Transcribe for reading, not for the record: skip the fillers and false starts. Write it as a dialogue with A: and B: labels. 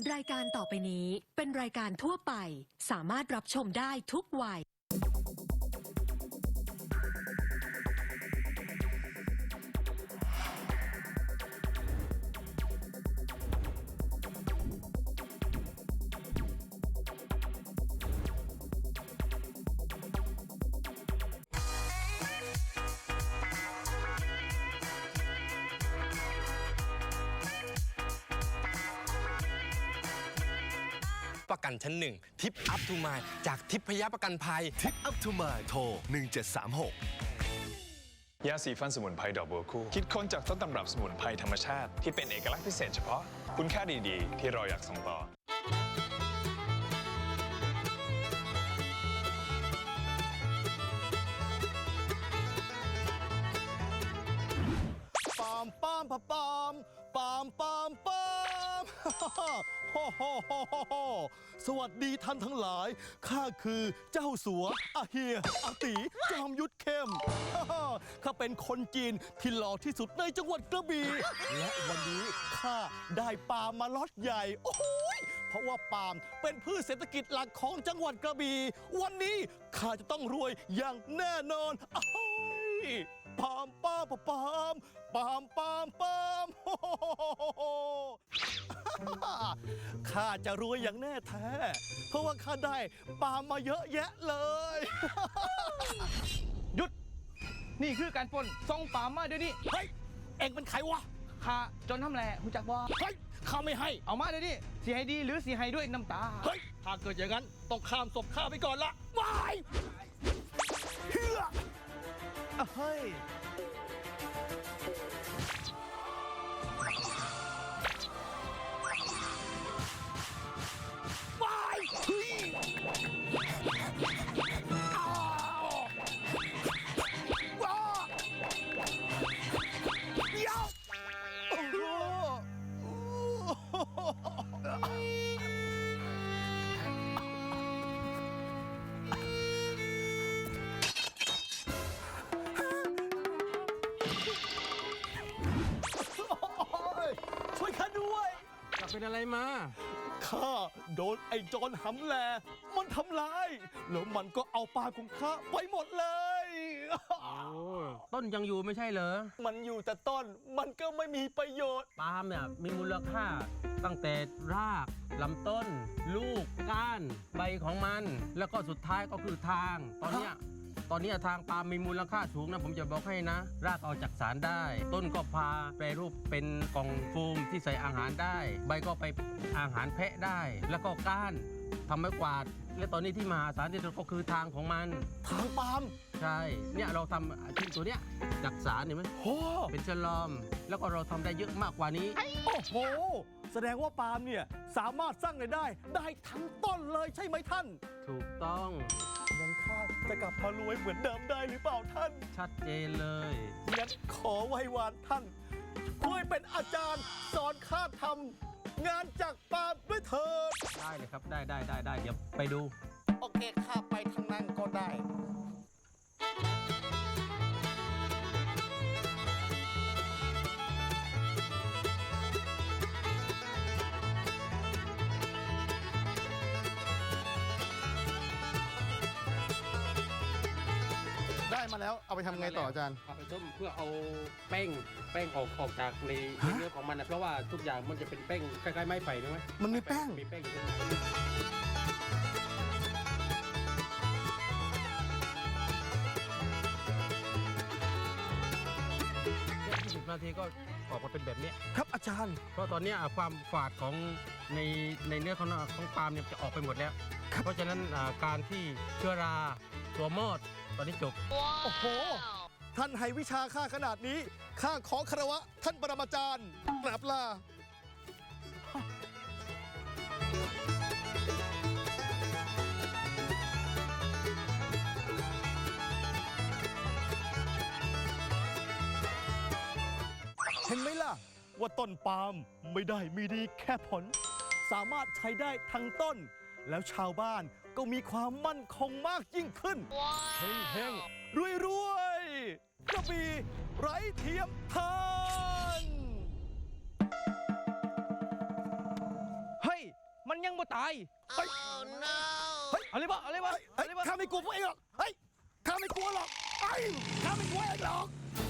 A: รายการต่อไปนี้เป็นรายการทั่วไปสามารถรับชมได้ทุกวัย
B: ประกันชั้นหนึ่งทิปอัพทูมายจากทิพยประกันภัย
C: ทิปอัพทูมายโทร 1736
D: ยาสีฟันสมุนไพรดอกบัวคู่คิดค้นจากต้นตำรับสมุนไพรธรรมชาติที่เป็นเอกลักษณ์พิเศษเฉพาะคุณค่าดีๆ ที่เราอยากส่งต่อ
C: ปามปามปามปามปามปามปามโฮโฮโฮโฮสวัสดีท่านทั้งหลายข้าคือเจ้าสัวอาเฮียอาตีจอมยุทธเข้มข้าเป็นคนจีนที่หล่อที่สุดในจังหวัดกระบี่และวันนี้ข้าได้ปาล์มมาล็อตใหญ่โอ้ยเพราะว่าปาล์มเป็นพืชเศรษฐกิจหลักของจังหวัดกระบี่วันนี้ข้าจะต้องรวยอย่างแน่นอนอ้ายปามปามปามปามปามปามโฮข้าจะรวยอย่างแน่แท้เพราะว่าข้าได้ปามมาเยอะแยะเลย
E: หยุดนี่คือการปล้นส่งป่ามาเดี๋ยวนี้
C: เฮ้ยเอ็งเป็นใครวะ
E: ข้าจนทำแหล่หูจักบ่
C: เฮ้ยข้าไม่ให้
E: เอามาเดี๋ยวนี้สีให้ดีหรือสีให้ด้วยน้ำตา
C: เฮ้ยถ้าเกิดอย่างนั้นต้องข้ามศพข้าไปก่อนละวายเฮือเฮ้ยวายเฮ้ยอ้าวว้าเดี๋ยวโอ้โหช่วยข้าด้วย
E: จะเป็นอะไรมา
C: ข้าโดนไอ้โจรหำแลมันทำร้ายแล้วมันก็เอาปลาของข้าไปหมดเลย
F: ต้นยังอยู่ไม่ใช่เหรอ
C: มันอยู่แต่ต้นมันก็ไม่มีประโยชน์
F: ปาล์มเนี่ยมีมูลค่าตั้งแต่รากลำต้น ลูกก้าน ใบของมัน แล้วก็สุดท้ายก็คือทาง ตอนเนี้ยทางปาล์มมีมูลค่าสูงนะผมจะบอกให้นะ รากเอาจากสารได้ ต้นก็พาแปรรูปเป็นกล่องโฟมที่ใส่อาหารได้ ใบก็ไปอาหารแพะได้ แล้วก็ก้านทำไม้กวาด และตอนนี้ที่มหาศาลที่สุดก็คือทางของมัน
C: ทางปาล์ม
F: ใช่ เนี่ยเราทำชิ้นตัวเนี้ยจากสารเห็นไหม
C: โอ้
F: เป็นฉลอม แล้วก็เราทำได้เยอะมากกว่านี้
C: โอ้โหแสดงว่าปาล์มเนี่ยสามารถสร้างรายได้ทั้งต้นเลยใช่ไหมท่าน
F: ถูกต้อง
C: งั้นข้าจะกลับมารวยเหมือนเดิมได้หรือเปล่าท่าน
F: ชัดเจนเลย
C: งั้นขอไหว้วานท่านช่วยเป็นอาจารย์สอนข้าทำงานจากปาล์มด้วยเถิด
F: ได้เลยครับ ได้ เดี๋ยวไปดู
C: โอเคข้าไปทางนั้นก็ได้ได้มาแล้วเอาไปทำไงต่ออาจารย์
F: เอาไปต้มเพื่อเอาแป้งออกจากในเนื้อของมันนะเพราะว่าทุกอย่างมันจะเป็นแป้งคล้ายๆไม้ไผ่นะไหม
C: มันมีแป้ง
F: มีแป้งอยู่20 นาทีก็ออกมาเป็นแบบนี้
C: ครับอาจารย์
F: เพราะตอนนี้ความฝาดของในเนื้อของปาล์มเนี่ยจะออกไปหมดแล้ว เพราะฉะนั้นการที่เชื้อราตัวมอดตอนนี้จบ
C: โอ้โห ท่านให้วิชาข้าขนาดนี้ ข้าขอคารวะท่านปรมาจารย์กราบลา เห็นไหมล่ะ ว่าต้นปาล์มไม่ได้มีดีแค่ผล สามารถใช้ได้ทั้งต้น แล้วชาวบ้านก็มีความมั่นคงมากยิ่งขึ้นเฮงๆรวยๆกระบี่ไร้เทียมทาน
E: เฮ้ยตาย
C: เฮ้ย
E: เอาเลยบ่เอาเลยบ่
C: เฮ้ยข้าไม่กลัวพวกเองหรอก เฮ้ย ข้าไม่กลัวหรอกเฮ้ยข้าไม่กลัวเองหรอก